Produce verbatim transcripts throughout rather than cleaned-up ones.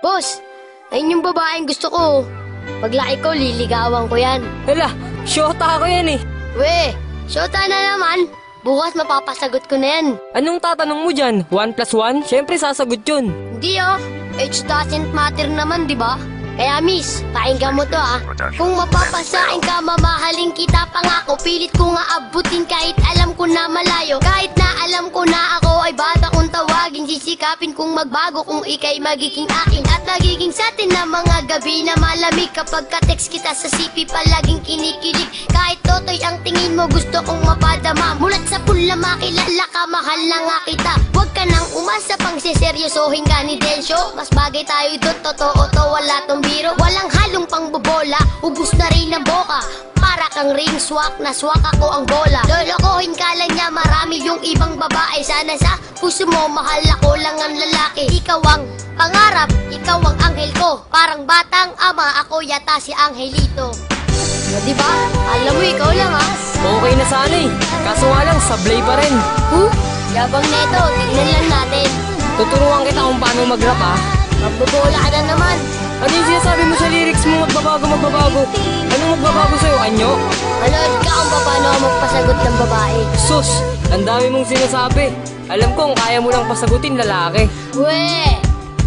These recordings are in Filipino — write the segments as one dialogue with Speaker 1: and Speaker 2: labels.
Speaker 1: Boss, ayun yung babaeng gusto ko. Paglaki ko, liligawan ko yan.
Speaker 2: Hala, syota ako yan eh.
Speaker 1: We, syota na naman. Bukas mapapasagot ko na yan.
Speaker 2: Anong tatanong mo dyan? One plus one? Siyempre sasagot yun.
Speaker 1: Hindi oh, age doesn't matter naman, di ba? Kaya miss, pakinggan mo to ah. Kung mapapasain ka, mamahalin kita. Pangako, pilit ko nga abutin kahit alam ko na malayo. Kahit na alam ko na ako ay bata kung tawagin. Sisikapin kung magbago kung ikay magiging akin. At nagiging sa atin na mga gabi na malamig. Kapag ka-text kita sa C P palaging kinikilig. Kahit totoy ang tingin mo gusto kong mapadama. Mulat sa pula makilala ka, mahal na nga kita. Huwag ka nang umasa pang siseryosohin ka ni Densyo. Mas bagay tayo doon, totoo to, wala tong biro. Walang halong pangbobola, ubus na rin ang boka. Para kang ring swak, na swak ako ang bola. Lolokohin ka lang niya, marami yung ibang babae. Sana sa puso mo, mahal ako lang ang lalaki. Ikaw ang pangarap, ikaw ang anghel ko. Parang batang ama, ako yata si Angelito. O diba? Alam mo, ikaw lang ha.
Speaker 2: Okay na sana eh. Kaso nga lang, sablay pa rin.
Speaker 1: Huh? Yabang neto, tignan lang natin.
Speaker 2: Tuturuan kita kung paano mag-rap ha.
Speaker 1: Magbobola ka na naman.
Speaker 2: Ano yung sinasabi mo sa lyrics mo? Magbabago, magbabago. Anong magbabago sa'yo, anyo?
Speaker 1: Manood ka kung paano magpasagot ng babae.
Speaker 2: Sus, ang dami mong sinasabi. Alam ko kung kaya mo lang pasagutin lalaki.
Speaker 1: Weh!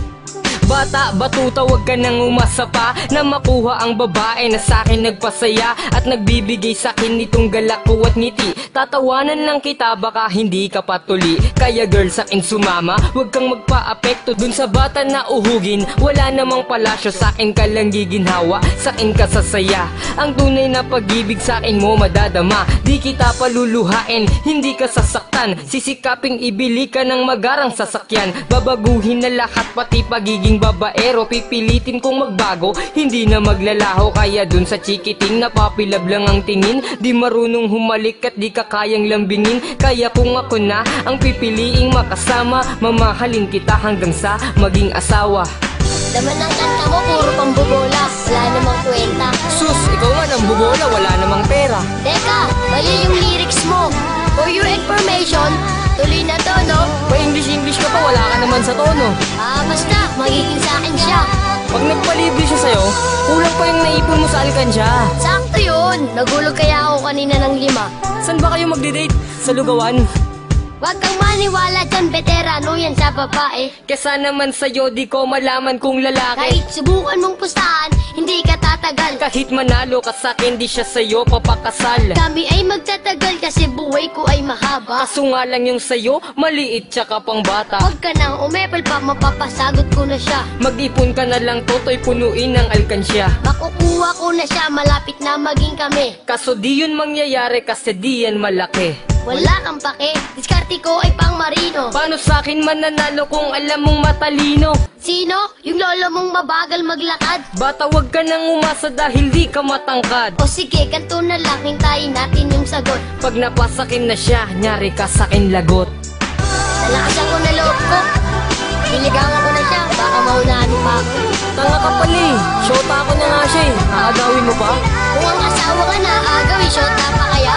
Speaker 2: Bata, batuta, wag ka nang umasa pa na makuha ang babae na sa'kin nagpasaya at nagbibigay sa'kin nitong galak ko at ngiti. Tatawanan lang kita, baka hindi ka patuli. Kaya girl, sa'kin sumama, wag kang magpa-apekto dun sa bata na uhugin. Wala namang palasyo, sa'kin ka lang giginhawa, sa'kin ka sasaya. Ang tunay na pag-ibig sa'kin mo madadama. Di kita paluluhain, hindi ka sasaktan. Sisikaping ibili ka ng magarang sasakyan. Babaguhin na lahat, pati pagiging babaero. Pipilitin kong magbago, hindi na maglalaho. Kaya dun sa chikiting napapilab lang ang tingin. Di marunong humalik at di ka kayang lambingin. Kaya kung ako na ang pipiliing makasama, mamahalin kita hanggang sa maging asawa.
Speaker 1: Laman ng kanta mo, puro pambobola. Wala namang kwenta.
Speaker 2: Sus, ikaw man ang bubola, wala namang pera.
Speaker 1: Teka, mali yung lyrics mo. For your information, tuloy na to, no?
Speaker 2: Pa-English-English ka pa, wala ka naman sa tono.
Speaker 1: Ah, basta, magiging sa akin siya.
Speaker 2: Pag nagpalibre siya sa'yo, kulang pa yung naipon mo sa alkansya.
Speaker 1: Sakto yun. Nagulog kaya ako kanina ng lima.
Speaker 2: Saan ba kayo magde-date? Sa lugawan?
Speaker 1: Huwag kang maniwala dyan, veterano yan sa babae.
Speaker 2: Kesa naman sa'yo, di ko malaman kung lalaki.
Speaker 1: Kahit subukan mong pustahan, hindi ka tatagal.
Speaker 2: Kahit manalo ka sa'kin, di siya sa'yo papakasal.
Speaker 1: Kami ay magtatagal kasi buhay ko ay mahaba.
Speaker 2: Kaso nga lang yung sa'yo, maliit tsaka pang bata.
Speaker 1: Huwag ka nang umepal pa, mapapasagot ko na siya.
Speaker 2: Mag-ipon ka na lang, toto'y punuin ng alkansya.
Speaker 1: Makukuha ko na siya, malapit na maging kami.
Speaker 2: Kaso di yun mangyayari kasi di yan malaki.
Speaker 1: Wala kang pake, diskarte ko ay pang marino.
Speaker 2: Paano sa'kin mananalo kung alam mong matalino?
Speaker 1: Sino? Yung lolo mong mabagal maglakad?
Speaker 2: Bata, wag ka nang umasa dahil di ka matangkad.
Speaker 1: O sige, ganito na lang, hintayin natin yung sagot.
Speaker 2: Pag napasakin na siya, nyari ka sa'kin lagot.
Speaker 1: Nalakasan ko na loob ko. Niligawan ko na siya, baka maunahan pa ako.
Speaker 2: Tanga ka pala eh, shota ako na nga siya eh. Aagawin mo pa?
Speaker 1: Kung ang asawa ka na, agawin, shota pa kaya?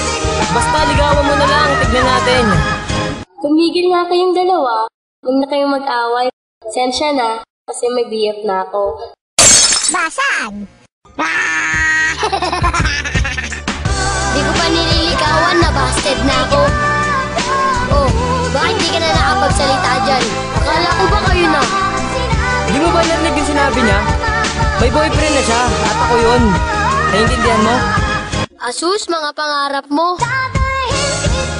Speaker 2: Basta ligawan mo na lang, tignan natin.
Speaker 3: Tumigil nga kayong dalawa. Huwag na kayong mag-away. Sensya na, kasi may B F na ako.
Speaker 1: Basag! Di ko pa nililigawan, nabasted na ako. Oh, bakit di ka na nakapagsalita dyan? Akala ko ba kayo na?
Speaker 2: Di mo ba narinig yung sinabi niya? May boyfriend na siya, at ako yun. Naiintindihan mo?
Speaker 1: Asus, mga pangarap mo.